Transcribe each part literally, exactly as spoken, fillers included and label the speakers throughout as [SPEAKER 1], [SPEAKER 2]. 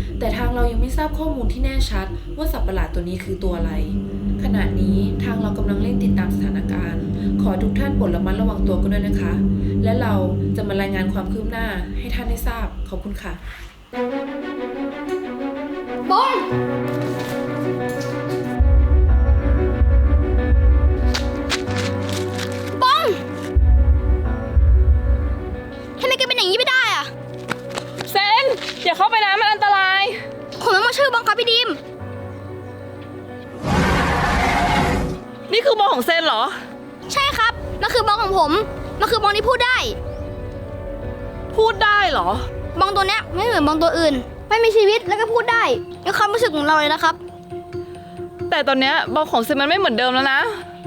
[SPEAKER 1] แต่ทางเรายังไม่ทราบข้อมูลที่แน่ชัดว่าสัตว์ประหลาดตัวนี้คือตัวอะไรขณะนี้ทางเรากำลังเร่งติดตามสถานการณ์ขอทุกท่านโปรดระมัดระวังตัวกันด้วยนะคะและเราจะมารายงานความคืบหน้าให้ท่านได้ทราบขอบคุณค่ะ
[SPEAKER 2] บอลบอลทำไมแกเป็นอย่างนี้ไม่ได้อะ
[SPEAKER 3] เซนอย่าเข้าไปนะมันอันตราย
[SPEAKER 2] ผมไม่มาชื่อบอลครับพี่ดิม
[SPEAKER 3] นี่คือบอลของเซนเหรอ
[SPEAKER 2] ใช่ครับมันคือบอลของผมมันคือบอลที่พูดได้
[SPEAKER 3] พูดได้เหร
[SPEAKER 2] อบอลตัวเนี้ยไม่เหมือนบอลตัวอื่นไม่มีชีวิตแล้วก็พูดได้ในความรู้สึกของเราเลยนะครับ
[SPEAKER 3] แต่ตอนเนี้ยบอลของเซนมันไม่เหมือนเดิมแล้วนะ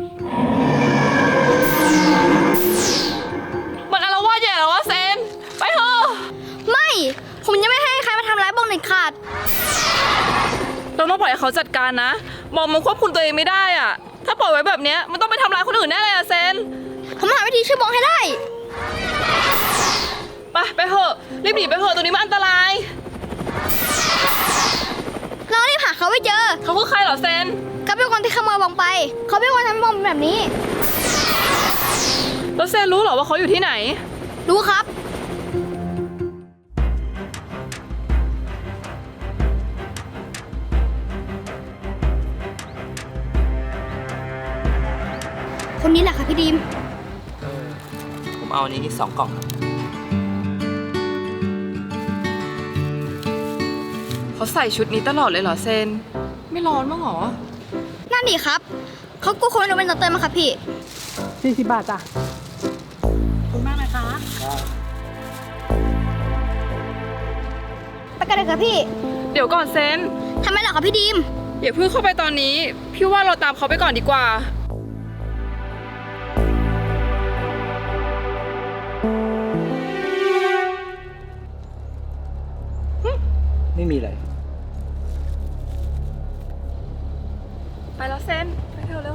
[SPEAKER 3] มันอาละวาดใหญ่แล้ววะเซนไปเถอะ
[SPEAKER 2] ไม่ผมจะไม่ให้ใครมาทำร้ายบอลเด็ดขาด
[SPEAKER 3] เราต้องปล่อยให้เขาจัดการนะบอลมันควบคุมตัวเองไม่ได้อะถ้าปล่อยไว้แบบเนี้ยมันต้องไปทำร้ายคนอื่นแน่เลยอะเซน
[SPEAKER 2] ผมหาวิธีช่วยบอลให้ได้
[SPEAKER 3] ไปไปเถอะรีบหนีไปเถอะตัวนี้มันอันตราย
[SPEAKER 2] เรารีบหาเขาไว้เจอ
[SPEAKER 3] เขาคือใครเหรอเซน
[SPEAKER 2] เขาเป็นคนที่ขโมยบอลไปเขาเป็นคนทำบอลแบบนี้
[SPEAKER 3] แล้วเซนรู้เหรอว่าเขาอยู่ที่ไหน
[SPEAKER 2] รู้ครับคนนี้แหละค่ะพี่ดีม
[SPEAKER 4] ผมเอาอันนี้สองกล่องครับ
[SPEAKER 3] เขาใส่ชุดนี้ตลอดเลยเหรอเซนไม่ร้อนมั้งหรอ
[SPEAKER 2] นั่นดิครับเขากู้คนเราเป็นตัวเติมมาครับพี่
[SPEAKER 3] สี่สิบบาทจ้ะ
[SPEAKER 5] ขอบคุณมากนะคะ
[SPEAKER 2] ไปกันเลยครับพี่
[SPEAKER 3] เดี๋ยวก่อนเซน
[SPEAKER 2] ทำไมเหรอครับพี่ดีม
[SPEAKER 3] อย่าเพิ่งเข้าไปตอนนี้พี่ว่าเราตามเขาไปก่อนดีกว่า
[SPEAKER 4] ไม่มีอะไร
[SPEAKER 3] ไปแล้วเซนไปเถอะเร็ว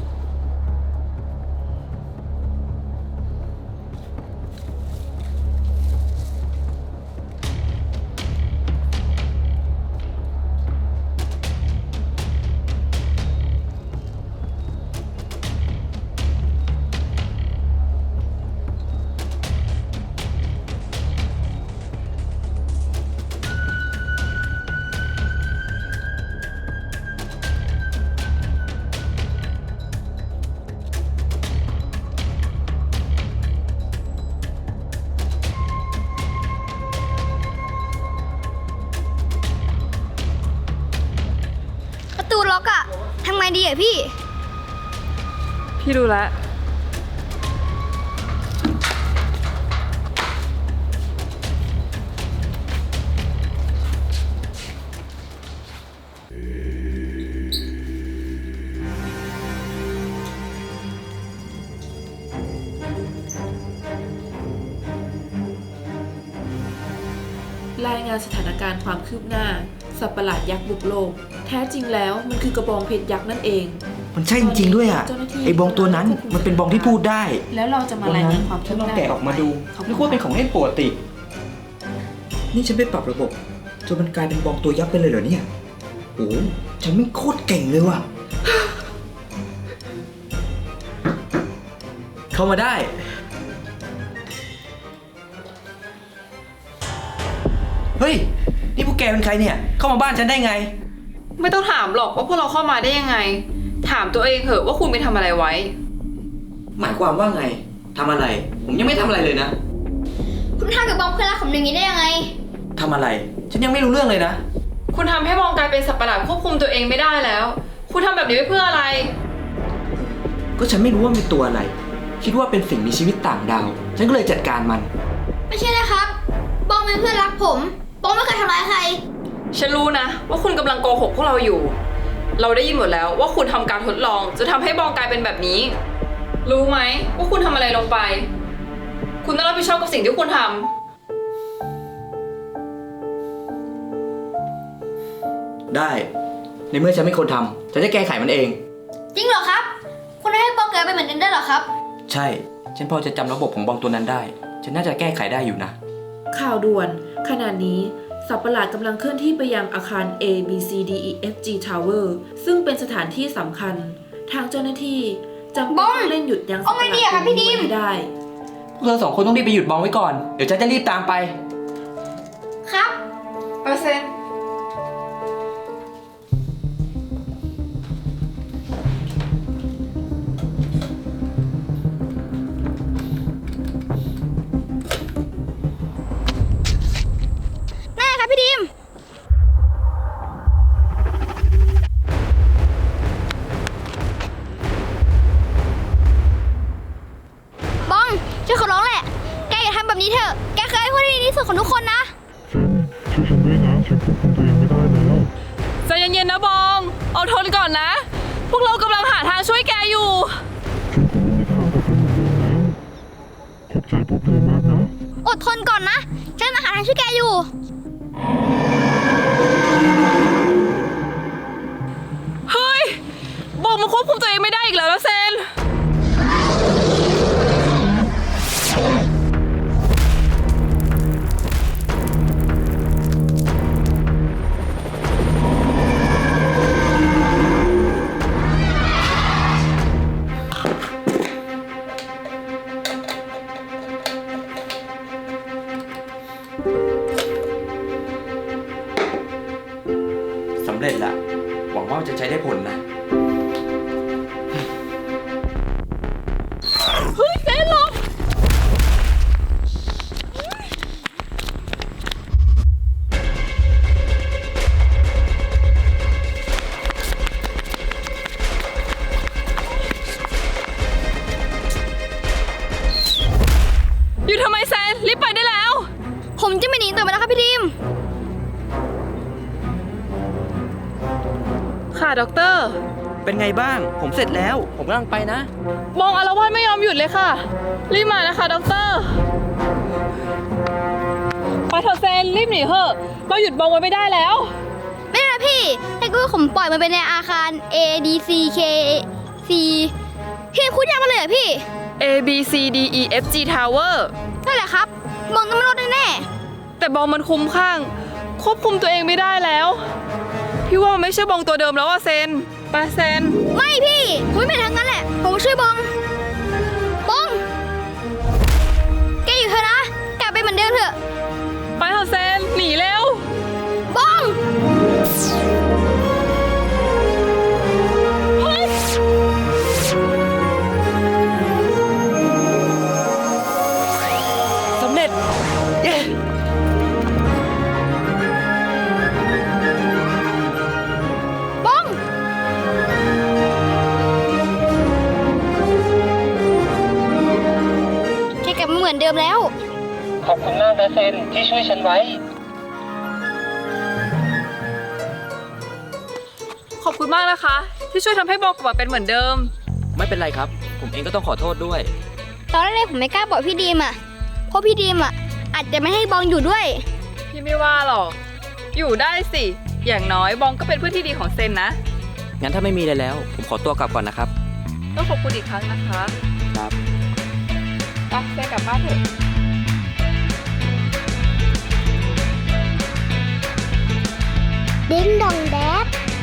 [SPEAKER 2] ประตูล็อกอะทำไงดีอะพี่
[SPEAKER 3] พี่ดูแลว
[SPEAKER 1] รายงานสถานการณ์ความคืบหน้าสัตว์ประหลาดยักษ์บุกโลกแท้จริงแล้วมันคือกระบองเพชรยักษ์นั่นเอง
[SPEAKER 4] มันใช่จริงๆด้วยอ่ะไอ้บองตัวนั้นมันเป็นบองที่พูดได้
[SPEAKER 1] แล้วเราจะมารายงานความ
[SPEAKER 4] คืบหน้าฉันลองแกะออกมาดูนึกว่าเป็นของเล่นปกตินี่ฉันไปปรับระบบจนมันกลายเป็นบองตัวยักษ์ไปเลยเหรอเนี่ยโอ้ฉันไม่โคตรเก่งเลยว่ะเข้ามาได้เฮ้ยนี่พวกแกเป็นใครเนี่ยเข้ามาบ้านฉันได้ไง
[SPEAKER 3] ไม่ต้องถามหรอกว่าพวกเราเข้ามาได้ยังไงถามตัวเองเถอะว่าคุณไปทำอะไรไว้
[SPEAKER 4] หมายความว่าไงทำอะไร ผมยังไม่ทำอะไรเลยนะ
[SPEAKER 2] คุณทำกับบอลเพื่อนรักผมอย่างนี้ได้ยังไง
[SPEAKER 4] ทำอะไรฉันยังไม่รู้เรื่องเลยนะ
[SPEAKER 3] คุณทำให้บองกลายเป็นสัตว์ประหลาดควบคุมตัวเองไม่ได้แล้วคุณทำแบบนี้ไปเพื่ออะไร
[SPEAKER 4] ก็ฉันไม่รู้ว่าเป็นตัวอะไรคิดว่าเป็นสิ่งมีชีวิตต่างดาวฉันก็เลยจัดการมัน
[SPEAKER 2] ไม่ใช่นะครับบอลเป็นเพื่อนรักผมบอลไม่เคยทำร้ายใคร
[SPEAKER 3] ฉันรู้นะว่าคุณกำลังโกหกพวกเราอยู่เราได้ยินหมดแล้วว่าคุณทำการทดลองจะทำให้บองกลายเป็นแบบนี้รู้ไหมว่าคุณทำอะไรลงไปคุณต้องรับผิดชอบกับสิ่งที่คุณท
[SPEAKER 4] ำได้ในเมื่อฉันไม่คนทำฉันจะแก้ไขมันเอง
[SPEAKER 2] จริงเหรอครับคุณให้บองกลายเป็นเหมือนกันได้เหรอครับ
[SPEAKER 4] ใช่ฉันพอจะจำระบบของบองตัวนั้นได้ฉันน่าจะแก้ไขได้อยู่นะ
[SPEAKER 1] ข่าวด่วนขณะนี้สัตว์ประหลาดกำลังเคลื่อนที่ไปยังอาคาร A B C D E F G Tower ซึ่งเป็นสถานที่สำคัญ ทางเจ้าหน้าที่จำเป็นต้องเร่งหยุดยั้งสัตว์ประหลาดตัวนี้ไว้ให้ได้
[SPEAKER 6] พวกเราสองคนต้องรีบไปหยุดบองไว้ก่อน เดี๋ยวฉันจะรีบตามไป
[SPEAKER 2] ครับ
[SPEAKER 3] เปอร์เซ็นต์
[SPEAKER 2] แน่ครับพี่ดีมบองช่วยขอร้องแหละ แกอย่าทำแบบนี้เถอะ แกเคยพูดที่ดีที่สุดของทุกคนนะ
[SPEAKER 7] ช่วยฉันด้วยนะ ฉันควบคุมตัวเองไม่ได้แล้ว
[SPEAKER 3] ใจเย็นๆนะบอง เอาทนก่อนนะ พวกเรากำลังหาทางช่วยแกอยู่
[SPEAKER 7] ฉันคงไม่มีทางกลับไปเหมือนเดิมแล้ว ขอบใจพวกเธอมากนะ
[SPEAKER 2] อดทนก่อนนะ ฉันมาหาทางช่วยแกอยู่
[SPEAKER 3] เฮ้ย บองมันควบคุมตัวเองไม่ได้อีกแล้วนะเซน
[SPEAKER 6] สำเร็จละ หวังว่าจะใช้ได้ผลนะ
[SPEAKER 3] เฮ้ยเซนหลบอยู่ทำไมแซน รีบไปได้แล้ว
[SPEAKER 2] ผมจะไม่หนีต่อไปแล้วครับพี่ดีม
[SPEAKER 3] ค่ะด็อกเตอร์
[SPEAKER 6] เป็นไงบ้าง ผมเสร็จแล้ว ผมกำลังไปนะ
[SPEAKER 3] บองอารวาสไม่ยอมหยุดเลยค่ะ รีบมานะคะด็อกเตอร์ ไปเถอะเซน รีบหนีเถอะ เราหยุดบองไว้ไม่ได้แล้ว
[SPEAKER 2] ไม่ได้นะพี่ถ้าเกิดว่าผมปล่อยมันไปในอาคาร A D C K C พี่พูดยากมาเลยเหรอพี่
[SPEAKER 3] A B C D E F G Tower
[SPEAKER 2] นั่นแหละครับมองต้องไม่รอดแน่
[SPEAKER 3] แต่บองมันคุ้มข้าง ควบคุมตัวเองไม่ได้แล้ว พี่ว่ามันไม่ใช่บองตัวเดิมแล้วอะเซน ไปเซน
[SPEAKER 2] ๆไม่พี่ ผมไม่เป็นทางนั้นแหละ ผมมาช่วยบองบอง แกอยู่เถอะนะ กลับไปเหมือนเดิมเถอะ
[SPEAKER 3] ไปเถอะเซน หนีเร็ว
[SPEAKER 2] บอง
[SPEAKER 3] เฮ้ย
[SPEAKER 6] สำเร็จ เย้
[SPEAKER 2] บอง แกกลับมาเหมือนเดิมแล้ว
[SPEAKER 6] ขอบคุณมากนะเซนที่ช่วยฉันไว้
[SPEAKER 3] ขอบคุณมากนะคะ ที่ช่วยทำให้บองกลับมาเป็นเหมือนเดิม
[SPEAKER 6] ไม่เป็นไรครับ ผมเองก็ต้องขอโทษด้วย
[SPEAKER 2] ตอนแรกๆผมไม่กล้าบอกพี่ดีมอ่ะ เพราะพี่ดีมอ่ะ อาจจะไม่ให้บองอยู่ด้วย
[SPEAKER 3] พี่ไม่ว่าหรอก อยู่ได้สิ อย่างน้อยบองก็เป็นเพื่อนที่ดีของเซนนะ
[SPEAKER 6] งั้นถ้าไม่มีอะไรแล้ว ผมขอตัวกลับก่อนนะครับ
[SPEAKER 3] ต้องขอบคุณอีกครั้งนะคะ
[SPEAKER 6] ครับ
[SPEAKER 3] ไปเซนกลับบ้านเถอะ
[SPEAKER 2] ดิ้งดองแดด